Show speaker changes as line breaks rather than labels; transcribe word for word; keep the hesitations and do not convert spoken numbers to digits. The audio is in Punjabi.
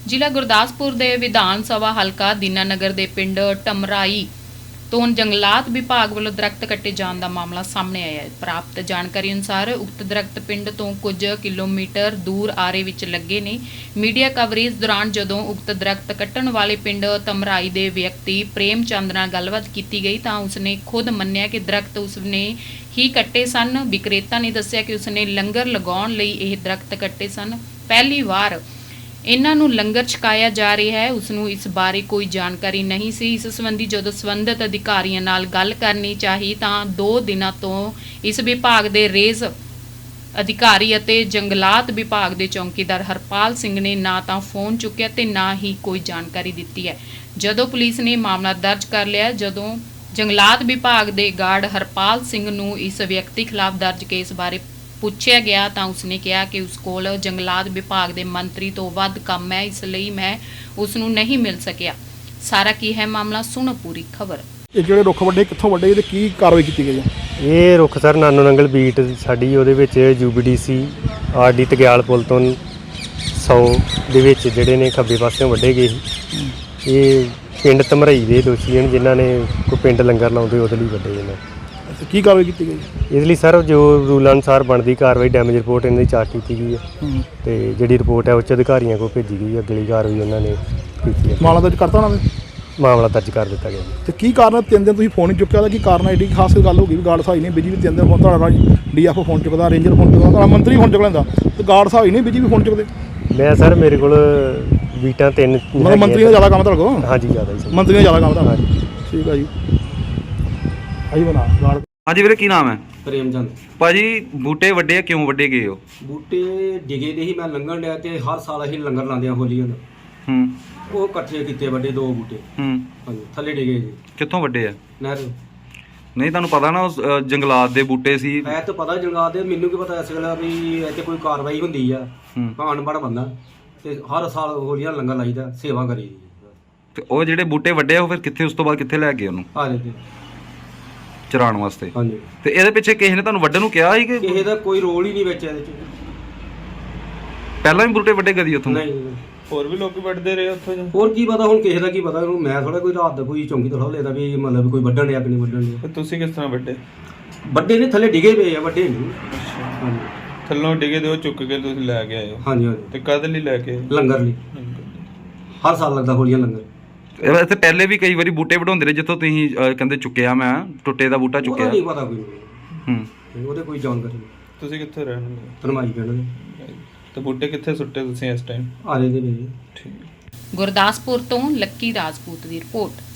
ਜ਼ਿਲ੍ਹਾ ਗੁਰਦਾਸਪੁਰ ਦੇ ਵਿਧਾਨ ਸਭਾ ਹਲਕਾ ਦੀਨਾਨਗਰ ਦੇ ਪਿੰਡ ਟਮਰਾਈ ਤੋਂ ਜੰਗਲਾਤ ਵਿਭਾਗ ਵੱਲੋਂ ਦਰਖਤ ਕੱਟੇ ਜਾਣ ਦਾ ਮਾਮਲਾ ਸਾਹਮਣੇ ਆਇਆ ਹੈ। ਪ੍ਰਾਪਤ ਜਾਣਕਾਰੀ ਅਨੁਸਾਰ ਉਕਤ ਦਰਖਤ ਪਿੰਡ ਤੋਂ ਕੁਝ ਕਿਲੋਮੀਟਰ ਦੂਰ ਆਰੇ ਵਿੱਚ ਲੱਗੇ ਨੇ। ਮੀਡੀਆ ਕਵਰੇਜ ਦੌਰਾਨ ਜਦੋਂ ਉਕਤ ਦਰਖਤ ਕੱਟਣ ਵਾਲੇ ਪਿੰਡ ਟਮਰਾਈ ਦੇ ਵਿਅਕਤੀ ਪ੍ਰੇਮ ਚੰਦ ਨਾਲ ਗੱਲਬਾਤ ਕੀਤੀ ਗਈ ਤਾਂ ਉਸਨੇ ਖੁਦ ਮੰਨਿਆ ਕਿ ਦਰਖਤ ਉਸਨੇ ਹੀ ਕੱਟੇ ਸਨ। ਵਿਕਰੇਤਾ ਨੇ ਦੱਸਿਆ ਕਿ ਉਸਨੇ ਲੰਗਰ ਲਗਾਉਣ ਲਈ ਇਹ ਦਰਖਤ ਕੱਟੇ ਸਨ। ਪਹਿਲੀ ਵਾਰ ਇਹਨਾਂ ਨੂੰ ਲੰਗਰ ਛਕਾਇਆ ਜਾ ਰਿਹਾ ਹੈ। ਉਸ ਨੂੰ ਇਸ ਬਾਰੇ ਕੋਈ ਜਾਣਕਾਰੀ ਨਹੀਂ ਸੀ। ਇਸ ਸੰਬੰਧੀ ਜਦੋਂ ਸੰਬੰਧਿਤ ਅਧਿਕਾਰੀਆਂ ਨਾਲ ਗੱਲ ਕਰਨੀ ਚਾਹੀ ਤਾਂ ਦੋ ਦਿਨਾਂ ਤੋਂ ਇਸ ਵਿਭਾਗ ਦੇ ਰੇਜ਼ ਅਧਿਕਾਰੀ ਅਤੇ ਜੰਗਲਾਤ ਵਿਭਾਗ ਦੇ ਚੌਕੀਦਾਰ ਹਰਪਾਲ ਸਿੰਘ ਨੇ ਨਾ ਤਾਂ ਫੋਨ ਚੁੱਕਿਆ ਤੇ ਨਾ ਹੀ ਕੋਈ ਜਾਣਕਾਰੀ ਦਿੱਤੀ ਹੈ। ਜਦੋਂ ਪੁਲਿਸ ਨੇ ਮਾਮਲਾ ਦਰਜ ਕਰ ਲਿਆ, ਜਦੋਂ ਜੰਗਲਾਤ ਵਿਭਾਗ ਦੇ ਗਾਰਡ ਹਰਪਾਲ ਸਿੰਘ ਨੂੰ ਇਸ ਵਿਅਕਤੀ ਖਿਲਾਫ ਦਰਜ ਕੇਸ ਬਾਰੇ ਪੁੱਛਿਆ ਗਿਆ ਤਾਂ ਉਸਨੇ ਕਿਹਾ ਕਿ ਉਸ ਕੋਲ ਜੰਗਲਾਤ ਵਿਭਾਗ ਦੇ ਮੰਤਰੀ ਤੋਂ ਵੱਧ ਕੰਮ ਹੈ, ਇਸ ਲਈ ਮੈਂ ਉਸ ਨੂੰ ਨਹੀਂ ਮਿਲ ਸਕਿਆ। ਸਾਰਾ ਕੀ ਹੈ ਮਾਮਲਾ, ਸੁਣੋ ਪੂਰੀ ਖਬਰ।
ਇਹ ਜਿਹੜੇ ਰੁੱਖ ਵੱਡੇ ਕਿੱਥੋਂ ਵੱਡੇ ਤੇ ਕੀ ਕਾਰਵਾਈ ਕੀਤੀ ਗਈ ਹੈ?
ਇਹ ਰੁੱਖ ਸਰ ਨਾਨੋ ਨੰਗਲ ਬੀਟ ਸਾਡੀ ਉਹਦੇ ਵਿੱਚ ਯੂਬੀਡੀਸੀ ਆਰਡੀ ਤਗਿਆਲ ਪੁਲ ਤੋਂ ਸੌ ਦੇ ਵਿੱਚ ਜਿਹੜੇ ਨੇ ਖੱਬੇ ਪਾਸਿਓਂ ਵੱਢੇ ਗਏ ਸੀ। ਇਹ ਪਿੰਡ ਧਮਰਾਈ ਦੇ ਦੋਸ਼ੀ ਹਨ ਜਿਨ੍ਹਾਂ ਨੇ ਕੋਈ ਪਿੰਡ ਲੰਗਰ ਲਾਉਂਦੇ ਉਹਦੇ ਲਈ ਵੱਢੇ ਨੇ।
ਕੀ ਕਾਰਵਾਈ ਕੀਤੀ ਗਈ?
ਇਸ ਲਈ ਸਰ ਜੋ ਰੂਲ ਅਨੁਸਾਰ ਬਣਦੀ ਕਾਰਵਾਈ ਡੈਮੇਜ ਰਿਪੋਰਟ ਇਹਨਾਂ ਦੀ ਚਾਰਟ ਕੀਤੀ ਗਈ ਹੈ ਤੇ ਜਿਹੜੀ ਰਿਪੋਰਟ ਹੈ ਉੱਚ ਅਧਿਕਾਰੀਆਂ ਕੋਲ ਭੇਜੀ ਗਈ ਹੈ। ਅਗਲੀ ਕਾਰਵਾਈ ਉਹਨਾਂ ਨੇ ਕੀਤੀ ਹੈ।
ਮਾਮਲਾ ਦਰਜ ਕਰਤਾ ਉਹਨਾਂ ਨੇ?
ਮਾਮਲਾ ਦਰਜ ਕਰ ਦਿੱਤਾ ਗਿਆ ਜੀ।
ਤੇ ਕੀ ਕਾਰਨ ਤਿੰਨ ਦਿਨ ਤੁਸੀਂ ਫੋਨ ਨਹੀਂ ਚੁੱਕਿਆ ਦਾ? ਕੀ ਕਾਰਨ ਐਡੀ ਖਾਸ ਗੱਲ ਹੋ ਗਈ ਵੀ ਗਾਰਡ ਸਾਹਿਬ ਨਹੀਂ ਬਿਜੀ ਵੀ ਤਿੰਨ ਦਿਨ ਫੋਨ ਤੁਹਾਡਾ ਡੀਐਫਓ ਫੋਨ ਚੁੱਕਦਾ, ਰੇਂਜਰ ਫੋਨ ਚੁੱਕਦਾ, ਤੁਹਾਡਾ ਮੰਤਰੀ ਫੋਨ ਚੁੱਕ ਲੈਂਦਾ ਤੇ ਗਾਰਡ ਸਾਹਿਬ ਨਹੀਂ ਬਿਜੀ ਵੀ ਫੋਨ ਚੁੱਕਦੇ?
ਮੈਂ ਸਰ ਮੇਰੇ ਕੋਲ ਬੀਟਾਂ ਤਿੰਨ
ਮਤਲਬ ਮੰਤਰੀ ਦਾ ਜ਼ਿਆਦਾ ਕੰਮ ਤੁਹਾਡੇ ਕੋਲ?
ਹਾਂਜੀ ਜ਼ਿਆਦਾ ਜੀ।
ਮੰਤਰੀ ਦਾ ਜ਼ਿਆਦਾ ਕੰਮ ਤੁਹਾਡਾ? ਠੀਕ ਹੈ ਜੀ। ਆਈ ਬਣਾ ਗਾਰਡ।
ਹਾਂਜੀ ਵੀਰੇ, ਕੀ ਨਾਮ ਹੈ?
ਪ੍ਰੇਮ ਚੰਦ
ਭਾਜੀ ਬੂਟੇ ਵੱਡੇ ਕਿਉਂ ਵੱਡੇ ਗਏ ਹੋ?
ਬੂਟੇ ਡਿਗੇ ਦੇ ਹੀ ਮੈਂ ਲੰਘਣ ਡਿਆ ਤੇ ਹਰ ਸਾਲ ਅਸੀਂ ਲੰਗਰ ਲਾਉਂਦੇ ਆ ਹੋਲੀਆਂ ਦਾ।
ਹੂੰ
ਉਹ ਇਕੱਠੇ ਕੀਤੇ ਵੱਡੇ ਦੋ ਬੂਟੇ।
ਹੂੰ
ਹਾਂਜੀ, ਥੱਲੇ ਡਿਗੇ ਜੀ
ਕਿੱਥੋਂ ਵੱਡੇ ਆ?
ਨਹਿਰ।
ਨਹੀਂ ਤੁਹਾਨੂੰ ਪਤਾ ਨਾ ਉਸ ਅ, ਜੰਗਲਾਤ ਦੇ ਬੂਟੇ ਸੀ।
ਮੈਂ ਤਾਂ ਪਤਾ ਜੰਗਲਾਤ ਦੇ, ਮੈਨੂੰ ਕੀ ਪਤਾ ਇਸ ਗੱਲ ਵੀ ਇੱਥੇ ਕੋਈ ਕਾਰਵਾਈ ਹੁੰਦੀ ਆ।
ਹੂੰ
ਮੈਂ ਅਨਪੜ੍ਹ ਬੰਦਾ ਤੇ ਹਰ ਸਾਲ ਹੋਲੀਆਂ ਲੰਗਰ ਲਾਈਦਾ, ਸੇਵਾ ਕਰੀ ਦੀ।
ਤੇ ਉਹ ਜਿਹੜੇ ਬੂਟੇ ਵੱਡੇ ਆ ਉਹ ਫਿਰ ਕਿੱਥੇ, ਉਸ ਤੋਂ ਬਾਅਦ ਕਿੱਥੇ ਲੈ ਗਏ ਉਹਨੂੰ
ਆ ਜਾਂਦੇ।
ਚਰਾਉਣ ਵਾਸਤੇ?
ਹਾਂਜੀ।
ਤੇ ਇਹਦੇ ਪਿੱਛੇ ਕਿਸੇ ਨੇ ਤੁਹਾਨੂੰ ਵੱਢਣ ਨੂੰ ਕਿਹਾ ਸੀ ਕਿ
ਕਿਸੇ ਦਾ ਕੋਈ ਰੋਲ ਹੀ ਨਹੀਂ ਵਿੱਚ ਇਹਦੇ ਚ?
ਪਹਿਲਾਂ ਵੀ ਬੂਟੇ ਵੱਡੇ ਕਦੀ ਉੱਥੋਂ?
ਨਹੀਂ।
ਹੋਰ ਵੀ ਲੋਕੀ ਵੱਢਦੇ ਰਹੇ ਉੱਥੋਂ?
ਹੋਰ ਕੀ ਪਤਾ ਹੁਣ ਕਿਸੇ ਦਾ ਕੀ ਪਤਾ ਉਹਨੂੰ। ਮੈਂ ਥੋੜਾ ਕੋਈ ਰਾਤ ਦਾ ਕੋਈ ਚੌਂਕੀ ਥੋੜਾ ਲੈਦਾ ਵੀ ਮਤਲਬ ਕੋਈ ਵੱਢਣ ਡਿਆ ਕਿ ਨਹੀਂ ਵੱਢਣ ਡਿਆ।
ਤੇ ਤੁਸੀਂ ਕਿਸ ਤਰ੍ਹਾਂ ਵੱਢੇ?
ਵੱਡੇ ਨੇ ਥੱਲੇ ਡਿਗੇ ਪਏ ਆ, ਵੱਡੇ ਨਹੀਂ। ਹਾਂਜੀ
ਥੱਲੋਂ ਡਿਗੇ ਦੇ ਉਹ ਚੁੱਕ ਕੇ ਤੁਸੀਂ ਲੈ ਕੇ ਆਏ ਹੋ?
ਹਾਂਜੀ ਹਾਂਜੀ।
ਤੇ ਕਦ ਲਈ ਲੈ ਕੇ ਆਏ?
ਲੰਗਰ ਲਈ ਹਰ ਸਾਲ ਲੱਗਦਾ ਹੋਲੀਆਂ ਲੰਗਰ।
ਇਹ- ਇੱਥੇ ਪਹਿਲੇ ਵੀ ਕਈ ਵਾਰੀ ਬੂਟੇ ਵਢਾਉਂਦੇ ਰਹੇ ਜਿੱਥੋਂ ਤੁਸੀਂ ਅ, ਕਹਿੰਦੇ ਚੁੱਕਿਆ, ਮੈਂ ਟੁੱਟੇ ਦਾ ਬੂਟਾ
ਉਹਦਾ
ਚੁੱਕਿਆ।
ਨਹੀਂ ਪਤਾ ਕੋਈ,
ਹੂੰ
ਉਹਦੇ ਕੋਈ ਜਾਣਕਾਰੀ ਨਹੀਂ।
ਤੁਸੀਂ ਕਿੱਥੇ ਰਹਿਣ ਵਾਲੇ?
ਧਰਮਾਈ ਪਿੰਡ ਦੇ।
ਤੇ ਬੂਟੇ ਕਿੱਥੇ ਸੁੱਟੇ ਤੁਸੀਂ ਇਸ ਟਾਈਮ?
ਆ ਰਹੇ ਦੇ ਨੇ।
ਠੀਕ।
ਗੁਰਦਾਸਪੁਰ ਤੋਂ ਲੱਕੀ ਰਾਜਪੂਤ ਦੀ ਰਿਪੋਰਟ।